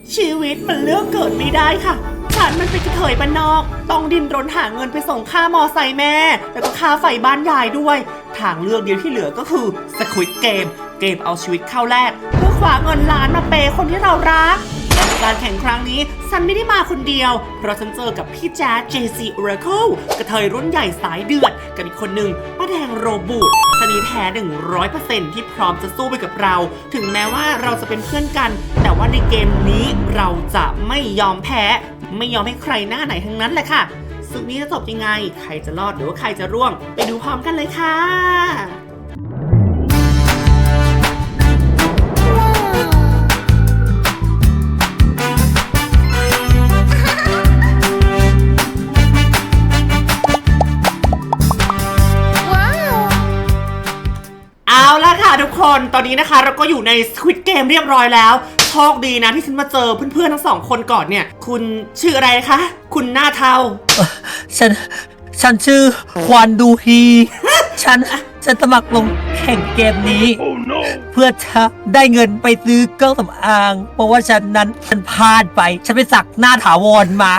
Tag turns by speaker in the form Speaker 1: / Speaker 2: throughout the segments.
Speaker 1: ชีวิตมันเลือกเกิดไม่ได้ค่ะฉันมันเป็นกระเทยบ้านนอกต้องดิ้นรนหาเงินไปส่งค่ามอไซค์แม่แล้วก็ค่าไฟบ้านยายด้วยทางเลือกเดียวที่เหลือก็คือ Squid Game เกมเอาชีวิตเข้าแลกเพื่อคว้าเงินล้านมาเปย์คนที่เรารักการแข่งครั้งนี้ฉันไม่ได้มาคนเดียวเพราะฉันเจอกับพี่แจ๊ด JC Oracle กระเทยรุ่นใหญ่สายเดือดกับอีกคนหนึ่งป้าแดงโรบูทชนิดแท้ 100% ที่พร้อมจะสู้ไปกับเราถึงแม้ว่าเราจะเป็นเพื่อนกันแต่ว่าในเกมนี้เราจะไม่ยอมแพ้ไม่ยอมให้ใครหน้าไหนทั้งนั้นแหละค่ะศึกนี้จะจบยังไงใครจะรอดหรือว่าใครจะร่วงไปดูพร้อมกันเลยค่ะเอาละค่ะทุกคนตอนนี้นะคะเราก็อยู่ใน Squid Game เรียบร้อยแล้วโชคดีนะที่ฉันมาเจอเพื่อนๆทั้งสองคนก่อนเนี่ยคุณชื่ออะไรคะคุณหน้าเทา
Speaker 2: ฉันชื่อควานดูฮีฉันสมัครลงแข่งเกมนี้ เพื่อจะได้เงินไปซื้อเครื่องสำอางเพราะว่าฉันพลาดไปฉันไปสักหน้าถาวรมา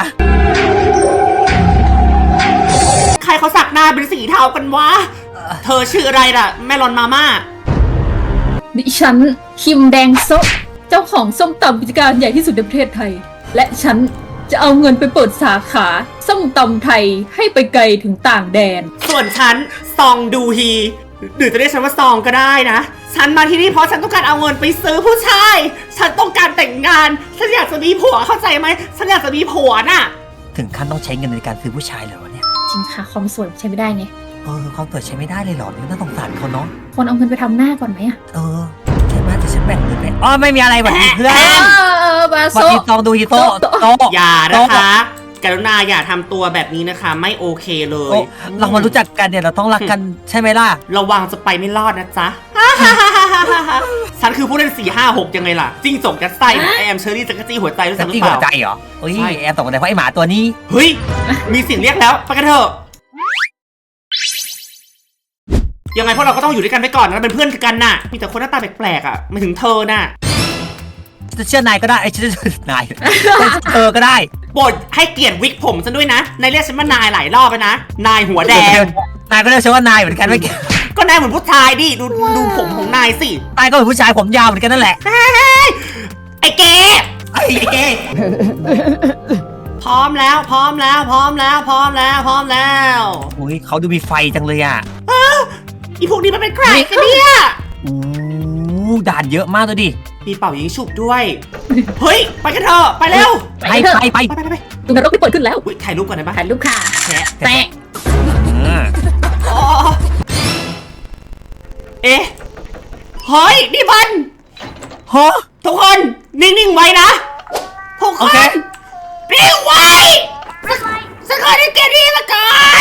Speaker 1: ใครเขาสักหน้าเป็นสีเทากันวะเธอชื่ออะไรล่ะแม่รอนมาม่า
Speaker 3: ดิฉันคิมแดงโซะเจ้าของส้มตำกิจการใหญ่ที่สุดในประเทศไทยและฉันจะเอาเงินไปเปิดสาขาส้มตำไทยให้ไปไกลถึงต่างแดน
Speaker 1: ส่วนฉันซองดูฮีหรือจะเรียกฉันว่าซองก็ได้นะฉันมาที่นี่เพราะฉันต้องการเอาเงินไปซื้อผู้ชายฉันต้องการแต่งงานฉันอยากจะมีผัวเข้าใจไหมฉันอยากจะมีผัวน่ะ
Speaker 2: ถึงขั้นต้องใช้เงินในการซื้อผู้ชายเหรอเนี่ย
Speaker 3: จริงค่ะความสวยใช้ไม่ได้ไง
Speaker 2: ความสวยใช้ไม่ได้เลยเหรอน่าสงสารเขาเนาะ
Speaker 3: คนเอาเงินไปทำหน้าก่อนไหม
Speaker 2: ใช่ไหมแต่ฉันแบ่งเงินไปไม่มีอะไรแบบนี้เพื่อน
Speaker 3: บาโซ
Speaker 2: ตองดูฮิโต้
Speaker 1: อย่านะคะกรุณาอย่าทำตัวแบบนี้นะคะไม่โอเคเลย
Speaker 2: เรามารู้จักกันเนี่ยเราต้องรักกันใช่ไหมล่ะ
Speaker 1: ระวังจะไปไม่รอดนะจ๊ะฉันคือผู้เล่น4-5-6ยังไงล่ะจิ้งจกยัดไส้แอมเชอรี่จักรจี้หัวใจรู้สึกหรือเปล่า
Speaker 2: หัวใจเหรอเฮ้ยแอมตกใจเพราะไอหมาตัวนี้
Speaker 1: เฮ้ยมีเสียงเรียกแล้วไปกันเถอะยังไงพวกเราก็ต้องอยู่ด้วยกันไปก่อนนะเป็นเพื่อนกันน่ะมีแต่คนหน้าตาแปลกๆอ่ะไม่ถึงเธอน่ะ
Speaker 2: จะเชื่อนายก็ได้ไอ้ฉันจะเชื่อนายก็ได้
Speaker 1: โปรดให้เกียรติวิกผมฉันด้วยนะนายเรียกฉันว่านายหลายรอบไปนะนายหัวแดง
Speaker 2: นายก็เรียกฉันว่านายเหมือนกันไม่
Speaker 1: ก็นายเหมือนผู้ชายดิดูผมของนายสิ
Speaker 2: นายก็เหมือนผู้ชายผมยาวเหมือนกันนั่นแหละ
Speaker 1: ไอ้เก๋พร้อมแล้ว
Speaker 2: อุ้ยเขาดูมีไฟจังเลยอ่ะ
Speaker 1: อีพวกนี้มันเป็นใครกันเนี่ย
Speaker 2: ด่านเยอะมากเลยดิ
Speaker 1: มีเป่ายิงฉุบด้วยเฮ้ยไปกันเถอะไปเร็ว
Speaker 2: ไป
Speaker 3: ดูนรกที่เปิดขึ้นแล้ว
Speaker 1: ถ่ายรูปก่อนได้ปะ
Speaker 3: ถ่ายรูปค่ะแตะ
Speaker 1: เฮ้ยนี่มันทุกคนนิ่งๆไว้นะทุกคนนิ่งไว้ฉันเคยได้เกมนี้มาก่อน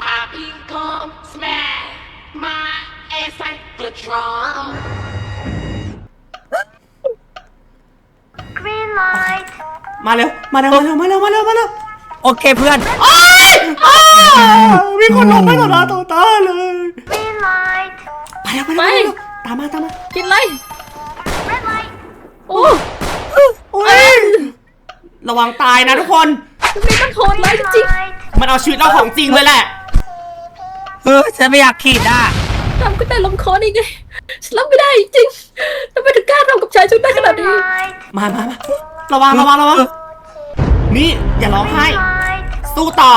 Speaker 1: มาเร็ว
Speaker 2: โอเคเพื่อน
Speaker 1: มีคนลงไปต่อหน้าต่อตาเลยไปตามมา
Speaker 3: กินอะไรโอ้
Speaker 1: ระวังตายนะทุกคน
Speaker 3: มันโหดร้ายจริง
Speaker 1: มันเอาชีวิตเราของจริงเลยแหละ
Speaker 2: ฉันไม่อยากขีด
Speaker 3: ทำก็ได้ลงคอนี่ไงฉันรับไม่ได้จริงทำไมถึงกล้าทำกับชายชุดได้ขนาดนี้
Speaker 1: มาระวังนี่อย่าร้องไห้สู้ต่อ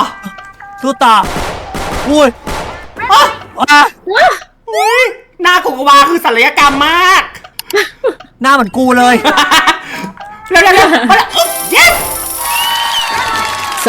Speaker 2: อุ้ย
Speaker 1: หน้าของกวาคือศัลยกรรมมาก
Speaker 2: หน้าเหมือนกูเลย
Speaker 1: เร็วyes
Speaker 3: โซ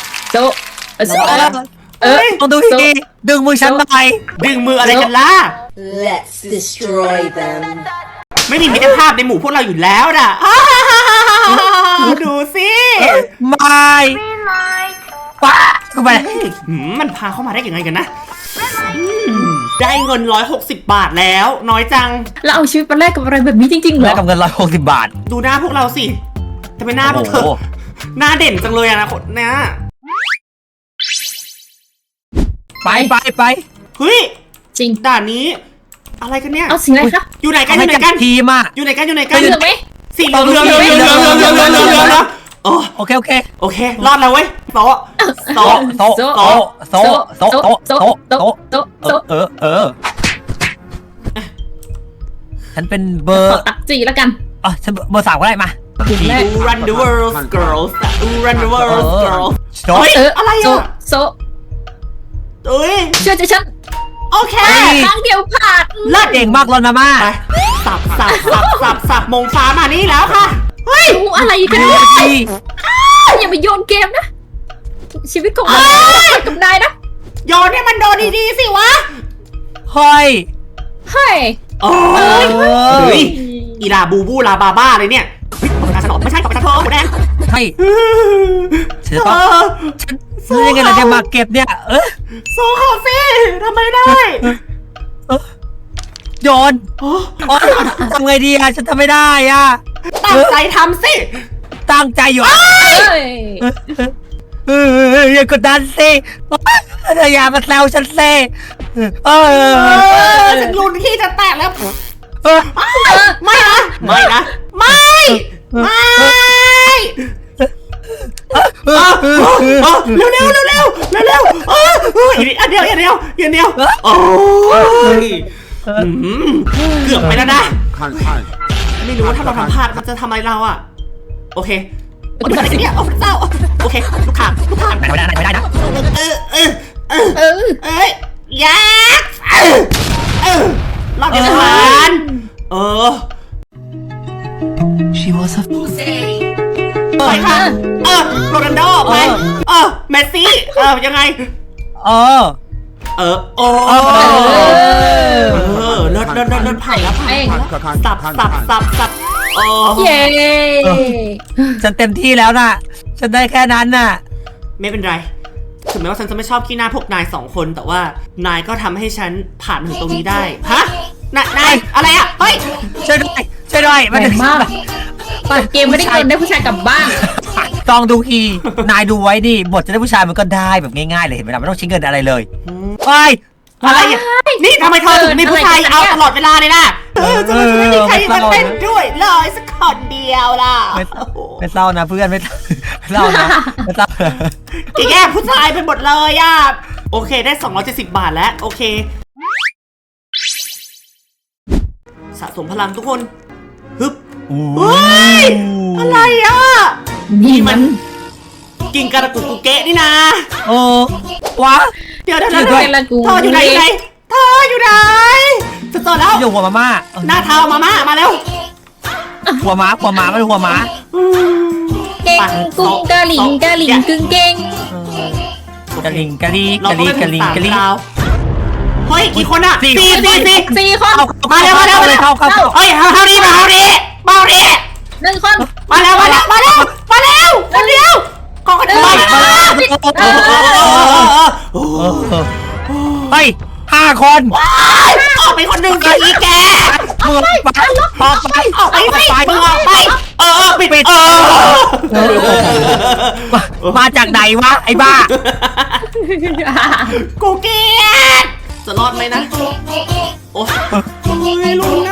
Speaker 2: ต้องดูดีดึงมือฉันหน่อย
Speaker 1: ดึงมืออะไรกันล่ะ
Speaker 4: Let's destroy them
Speaker 1: ไม่มีมิตรภาพในหมู่พวกเราอยู่แล้วน่ะดูสิ
Speaker 2: ไม่ป้าเข้าไป
Speaker 1: มันพาเข้ามาได้ยังไงกันนะได้เงิน160 บาทแล้วน้อยจัง
Speaker 3: แล้วเอาชีวิตมาแลกกับอะไรแบบนี้จริงๆเหรอ
Speaker 2: แลกกับเงิน160 บาท
Speaker 1: ดูหน้าพวกเราสิทำไมหน้าพวกเธอหน้าเด่นจังเลยอะนะคนเนี้ย
Speaker 2: ไป
Speaker 1: เฮ้ย
Speaker 3: จริง
Speaker 1: ด่านนี้อะไรกันเนี่ย
Speaker 3: เอาสิ่งอะไรคะ
Speaker 1: อยู่ไหนกัน
Speaker 2: ทีมอะ
Speaker 1: อยู่ไหนกัน
Speaker 3: เหลืองไหม
Speaker 1: สีเหลือง
Speaker 2: โอเคโอเค
Speaker 1: โอเค รอดแล้วเว้ยโต๊ะโต๊ะ
Speaker 2: โต๊ะโต๊ะโต๊ะโต๊ะโต๊ะโต๊ะโต๊ะ
Speaker 3: โต๊ะโต๊ะ
Speaker 2: ฉันเป็นเบอ
Speaker 3: ขอ
Speaker 2: ร์
Speaker 3: ตักจีแล้วกัน
Speaker 2: อ๋อฉันเบอร์ 3ก็ได้มา
Speaker 3: แรก
Speaker 1: You run the world girls You run the world girls
Speaker 2: โต๊ะ
Speaker 1: เฮ้ยอะไร
Speaker 3: โซ
Speaker 1: อ่ะ
Speaker 3: โซ
Speaker 1: เอ้ย
Speaker 3: เชื่อใจฉัน
Speaker 1: โอเค
Speaker 3: ครั้งเดียวผ่าน
Speaker 2: เลิศเก่งมากรอนมาม่า
Speaker 1: ไปสับมงฟ้ามานี่แล้วค่ะ เฮ้ย
Speaker 3: รู้อะไรกัน
Speaker 2: ดี
Speaker 3: เนี่ย
Speaker 2: ดี
Speaker 3: อย่ามาโยนเกมนะ ชีวิตของเรากับนายนะ
Speaker 1: โยนให้มันโดนดีๆสิวะ
Speaker 2: เฮ้ย
Speaker 3: เฮ้ย
Speaker 1: โอ้ย
Speaker 2: เออ
Speaker 1: เฮ้ยอีลาบูบูลาบาบ้าเลยเนี่ยเฮ้ยของกระสนอไม่ใช่ของกระเทอหมูแดง
Speaker 2: ใช่ฉันจะ
Speaker 1: เอ
Speaker 2: ต้อง
Speaker 1: อ
Speaker 2: ฉันยังไงเราจะมาเก็บเนี่ย
Speaker 1: โซคาเฟ่ทำไมได้
Speaker 2: โยน
Speaker 1: โอ้
Speaker 2: โอ๊ยทำไงดีอะฉันทำไม่ได้อะ
Speaker 1: ตั้งใจทำสิ
Speaker 2: ตั้งใจอยู่
Speaker 3: เฮ้ย
Speaker 2: อย่ากดดันสิอย่ามาแซวฉันสิ
Speaker 1: ฉันรุนที่จะแตกแล้ว
Speaker 2: เออ
Speaker 1: ไม่นะ ไม่นะ ไม่ ไม่เร็วเร็วเร็วเร็วเร็วเร็วอันเดียวโอ้ยเกือบไปแล้วนะ ไม่รู้ว่าถ้าเราทำพลาดมันจะทำอะไรเราอ่ะ โอเคโอ้ยอะไรเนี่ยโอ้พระเจ้าโอเคลูกข่าง
Speaker 2: ไม่ได้นะ
Speaker 3: เออ
Speaker 1: ยักษ์รอบเดียวผ่าน
Speaker 2: She was a
Speaker 1: ไปค่ะโรนัลโดไปเมสซี่ยังไงโอ้เลิศผ่านแล้วสับ
Speaker 3: เย้
Speaker 2: ฉันเต็มที่แล้วน่ะ ฉันได้แค่นั้นน่ะ
Speaker 1: ไม่เป็นไรถึงแม้ว่าฉันจะไม่ชอบขี้หน้าพวกนาย2 คนแต่ว่านายก็ทำให้ฉันผ่านมาถึงตรงนี้ได้ฮะนายอะไรอ่ะเฮ้ย
Speaker 2: ช่วยด้วย
Speaker 3: แรงมากเกมไม่ได้เกินได้ผู้ชายกลับบ้าน
Speaker 2: ต้องดูทีนายดูไว้ดิบทจะได้ผู้ชายมันก็ได้แบบง่ายๆเลยเห็นไหมล่ะไม่ต้องใช้เงินอะไรเลยไป
Speaker 1: อะไรอ่ะนี่ทำไมเธอถึงมีผู้ชายเอาตลอดเวลาเลยนะจะไม่มีใครมาเต้นด้วยเลยสักคนเดียวล่ะ
Speaker 2: ไม่เศร้านะเพื่อนไม่เศร้านะไม่เศร้า
Speaker 1: แย่ผู้ชายไปหมดเลยอ่ะโอเคได้270 บาทแล้วโอเคสะสมพลังทุกคนฮึบเฮ้ยอะไรอ่ะ
Speaker 3: นี่มัน
Speaker 1: กินกระกุกกุเกะนี่นะ
Speaker 2: โอ้วะ
Speaker 1: เดี๋ยว
Speaker 3: เธออยู่ไหน
Speaker 1: เธออยู่ไหนจะเจอแล้ว
Speaker 2: อยู่หัวมาม่า
Speaker 1: หน้าเท้ามาเร็ว
Speaker 2: หัวม้าไม่หัวม้า
Speaker 3: เก่งกุ้งกะหลิงกึ่งเก่ง
Speaker 2: กะลิง
Speaker 1: เราต้องเป็น3 ดาวเฮ้ยกี่คนอ่ะ4
Speaker 3: 4 คน
Speaker 1: มาเร็ว
Speaker 2: เข้า
Speaker 1: เฮ้ยเฮาดี1
Speaker 3: คน
Speaker 1: มาเร็วคนเดียวขอคนเดียว
Speaker 2: ไป5 คน
Speaker 1: ออกไปคนหนึ่งสิแก
Speaker 2: มึงไปออกไป
Speaker 1: ออกไปสิมึงออกไปปิด
Speaker 2: มาจากไหนวะไอ้บ้า
Speaker 1: กูเกลียดจะรอดไหมนะโอ้ยลุงนะ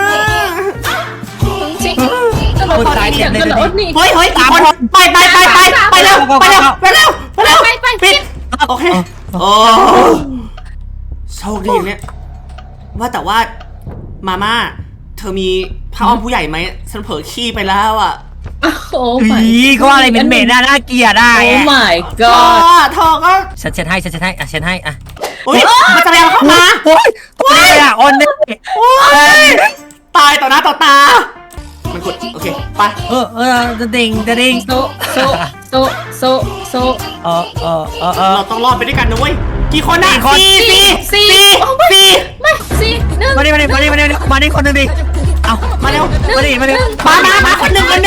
Speaker 3: ก็เราตอนนี้กันเหรอนี่
Speaker 1: เฮ้ย3 คนไปเร็วปิดโอเคโอ้โชคดีเนี่ยว่าแต่ว่ามาม่าเธอมีผ้าอ้อมผู้ใหญ่ไหมฉันเผลอขี้ไปแล้วอ่ะ
Speaker 3: โอ้
Speaker 2: เขาอะไรเหม็นน่าเกลียดได้
Speaker 3: โอ้ my
Speaker 1: ก็
Speaker 3: god
Speaker 1: เธอก็
Speaker 2: ฉันเช็ดให้อ่ะเช็ดให้อ่ะ
Speaker 1: อุ้ยมันจะแรงเข้ามา
Speaker 2: โอ้ยตัวนี้อ่ะออนนี่
Speaker 1: ตายต่อหน้าต่อตามันกดโอเคไป
Speaker 2: จะดิ่ง
Speaker 3: โซ
Speaker 1: เราต้องรอดไปด้วยกันนะเว้ยกี่คนนะสี่
Speaker 3: ไม่สี่หนึ่ง
Speaker 2: มาดิคนนึงดิเอา
Speaker 1: มาเร็ว
Speaker 2: มาดิ
Speaker 1: มาคนหนึ่งมาดิ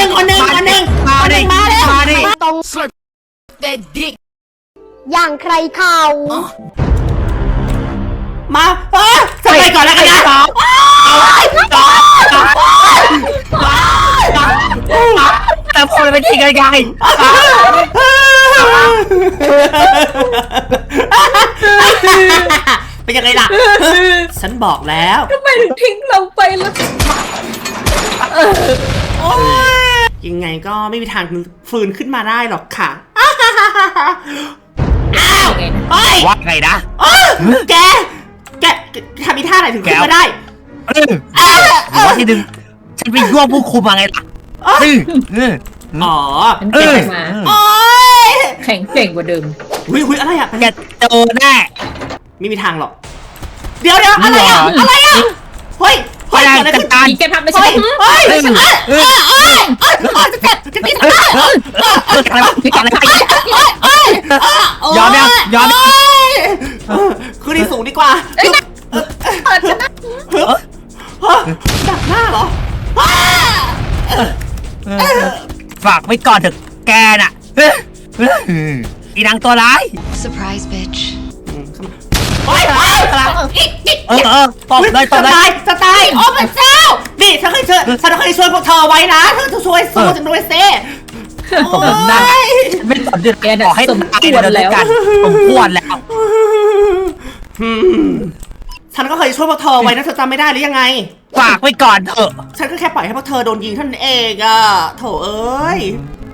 Speaker 4: ตรงอย่างใครเขา
Speaker 1: มาจะไปก่อนแล้วกันนะ
Speaker 2: แต่พอมันเป็นทีไกล
Speaker 1: เป็นยังไงล่ะฉันบอกแล้ว
Speaker 3: ทำไมถึงทิ้งเราไปแล้ว
Speaker 1: โอ้ยยังไงก็ไม่มีทางฟื้นขึ้นมาได้หรอกค่ะ
Speaker 3: ยังไงนะ
Speaker 1: เฮ้ย
Speaker 2: ว่าไงนะ
Speaker 1: แกทำอีท่าไหนถึงขึ้นมาได้
Speaker 2: หรือว่าที่หนึ่งฉันไปยั่วผู้คุมมาไงล่ะ
Speaker 1: อ๋อ
Speaker 3: ฉันเก่งมา
Speaker 1: โอ๊ย
Speaker 3: แข็งเก่งกว่าเดิม
Speaker 1: หุยอะไรอ่ะ
Speaker 2: แกโดนแน่
Speaker 1: ไม่มีทางหรอก เดี๋ยวอะไรอ่ะ อะไรอ่ะ เฮ้ยเฮ้ยเกิดอะไรขึ้น
Speaker 3: มีแกทำไม่ใช่
Speaker 1: เฮ้ยจะเจ็บจะตี
Speaker 2: ยอมยังยอมยัง
Speaker 1: คือที่สูงดีกว่า
Speaker 3: เปิดกันนะ
Speaker 1: ดักหน้าเหรอ
Speaker 2: ฝากไว้ก่อนเถอะแกน่ะอีนางตัวร้าย
Speaker 5: Surprise, bitch.
Speaker 1: เฮ้ย
Speaker 2: ตบเลยตบเลย
Speaker 1: จะตายโอ้พระเจ้า นี่ฉันเคยช่วยพวกเธอไว้นะเธอจะช่วยสู้ฉันด้วยเซ่
Speaker 2: ตบหน้าไม่สนใจขอให้ตายเลยแล้วกันผมควรแล้ว
Speaker 1: ฉันก็เคยช่วยพวกเธอไว้นะเธอจำไม่ได้หรือยังไง
Speaker 2: ฝากไว้ก่อนเถอะ
Speaker 1: ฉันก็แค่ปล่อยให้พวกเธอโดนยิงเท่านั้นเองอะโถเอ้ย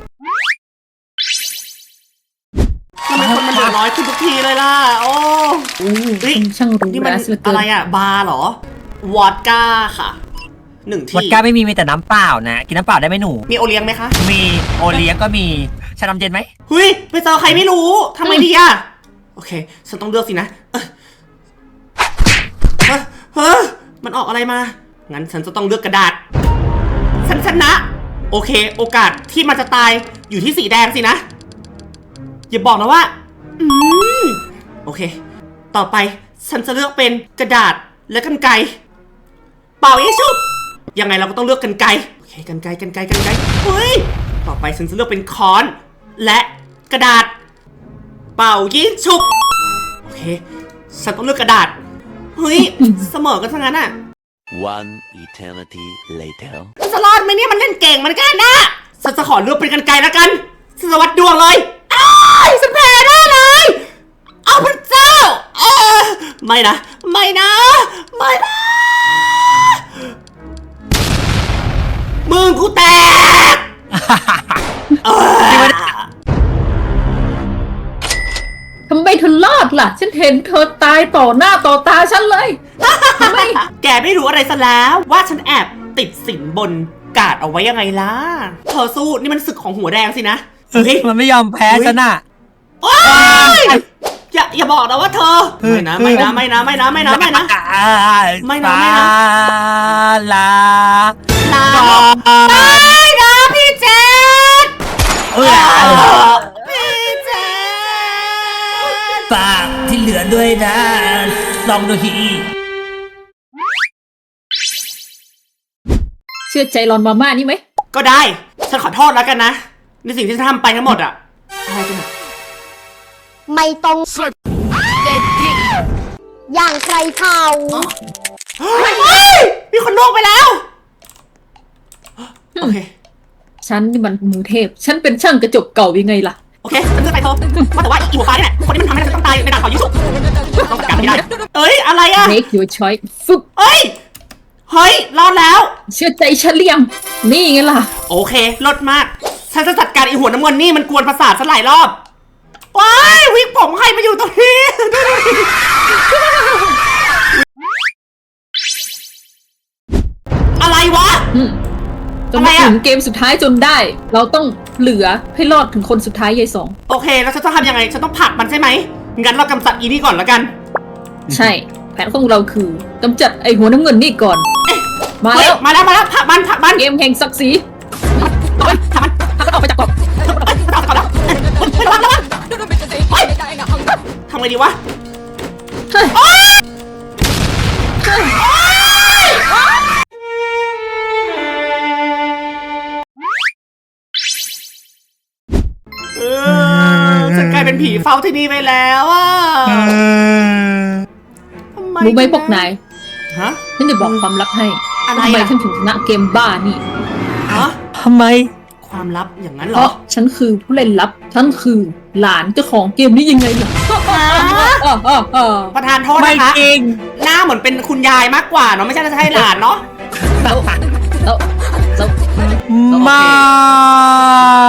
Speaker 1: ทำไมคนมันเหลือน้อยขึ้นทุกทีเลยล่ะ โอ้
Speaker 3: คุณช่างรู้
Speaker 1: นี่มัน
Speaker 3: นะสุดเกิ
Speaker 1: อะไร
Speaker 3: น
Speaker 1: อะบาร์เหรอ วอดก้าค่ะ 1 ที่
Speaker 2: วอดก้าไม่มีแต่น้ำเปล่านะกินน้ำเปล่าได้ไหมหนู
Speaker 1: มีโอเลี้ยงไหมคะ
Speaker 2: มีโอเลี้ยงก็มีชานมเย็นไหม
Speaker 1: เฮ้ยไปเจอใครไม่รู้ทำไมดีอะโอเค ฉันต้องเลือกสินะมันออกอะไรมา งั้นฉันจะต้องเลือกกระดาษ ฉันชนะ โอเค โอกาสที่มันจะตายอยู่ที่สีแดงสินะ อย่าบอกนะว่า โอเค ต่อไปฉันจะเลือกเป็นกระดาษและกรรไกร เป่ายิงฉุบยังไงเราก็ต้องเลือกกรรไกร โอเคกรรไกรเฮ้ย ต่อไปฉันจะเลือกเป็นค้อนและกระดาษ เป่ายิงฉุบโอเค ฉันต้องเลือกกระดาษ เฮ้ย เสมอกันทั้งนั้นอ่ะ
Speaker 6: One eternity later.
Speaker 1: ฉันจะรอดไหมเนี่ยมันเล่นเก่งเหมือนกันนะฉันจะขอเลือกเป็นกรรไกรแล้วกันฉันจะวัดดวงเลยอ้ายฉันแพ้ได้เลย เอาพระเจ้าไม่นะมึงกูแตก
Speaker 3: ทำไมเธอรอดล่ะ ฉันเห็นเธอตายต่อหน้าต่อตาฉันเลยทำไม
Speaker 1: แกไม่รู้อะไรซะแล้วว่าฉันแอบติดสินบนกาดเอาไว้ยังไงล่ะเธอสู้นี่มันศึกของหัวแดงสินะเฮ้ย
Speaker 2: มันไม่ยอมแพ้ฉันน่ะ
Speaker 1: โอ๊ยอย่าบอกนะว่าเธอไม่นะ
Speaker 2: ไม่
Speaker 1: ลา
Speaker 2: ไม่นะ
Speaker 1: พี่เจษพี่เจษ
Speaker 2: ปากที่เหลือด้วยนะลองดูที
Speaker 3: เชื่อใจรอนมาม่านี่ไหม
Speaker 1: ก็ได้ฉันขอโทษแล้วกันนะในสิ่งที่ฉันทำไปทั้งหมดอะอะไรกันอะ
Speaker 7: ไม่ต้องอย่างใครเขา
Speaker 1: เฮ้ยมีคนล่วงไปแล้วโอเค
Speaker 3: ฉันนี่มันมือเทพ ฉันเป็นช่างกระจกเก่ายังไงล่ะ
Speaker 1: โอเคฉันจะไปเธอว่าแต่ว่าอีหัวฟ้านี่แหละคนที่มันทำให้ฉันต้องตายในด่านเป่ายิงฉุบต้องจัดการไม่ได้เอ้ยอะไรอะ
Speaker 3: Make your choice ฟึบ
Speaker 1: เฮ้ยรอดแล้ว
Speaker 3: เชื่อใจฉันหรือยัง นี่ไงล่ะ
Speaker 1: โอเคลดมากฉันจะจัดการไอหัวน้ำเงินนี่มันกวนประสาทฉันหลายรอบว้ายวิกผมใครมาอยู่ตรงนี้อะไรวะ
Speaker 3: จนมาถึงเกมสุดท้ายจนได้ เราต้องเหลือให้รอดถึงคนสุดท้ายยายสอง
Speaker 1: โอเคแล้วฉันจะทำยังไงฉันต้องผลักมันใช่ไหมงั้นเรากำจัดอีนี่ก่อนแล้วกัน
Speaker 3: ใช่ แผนของเราคือกำจัดไอหัวน้ำเงินนี่ก่อน มา
Speaker 1: เฮ้ย
Speaker 3: แล้ว
Speaker 1: มาแล้วผลักมัน
Speaker 3: เกมแห่งศักดิ์ศรี
Speaker 1: ผลักมัน
Speaker 3: ออกไปจากกรอบ
Speaker 1: เอาก่อนแล้วระวังทำไงดีวะ
Speaker 3: เฮ้ย
Speaker 1: ฉันกลายเป็นผีเฝ้าที่นี่ไปแล้วอ่ะทำไม
Speaker 3: รู้ไหมพวกนาย
Speaker 1: ฮะ
Speaker 3: ฉันจะบอกความลับให้
Speaker 1: อะไร
Speaker 3: ทำไม
Speaker 1: อ่ะ
Speaker 3: ฉันถึงชนะเกมบ้านี่
Speaker 1: ฮะ
Speaker 2: ทำไม
Speaker 1: ความลับอย่างนั้นเห
Speaker 3: เพ
Speaker 1: รอ
Speaker 3: ราะฉันคือผู้เล่นลับ ฉันคือหลานเจ้าของเกมนี้ยังไงล่ะ
Speaker 1: ประธานโทษ
Speaker 2: ไม่
Speaker 1: นะคะ
Speaker 2: จริง
Speaker 1: หน้าเหมือนเป็นคุณยายมากกว่าเนาะไม่ใช่จะให้หลานเนาะ
Speaker 3: แล้ว
Speaker 2: ไม่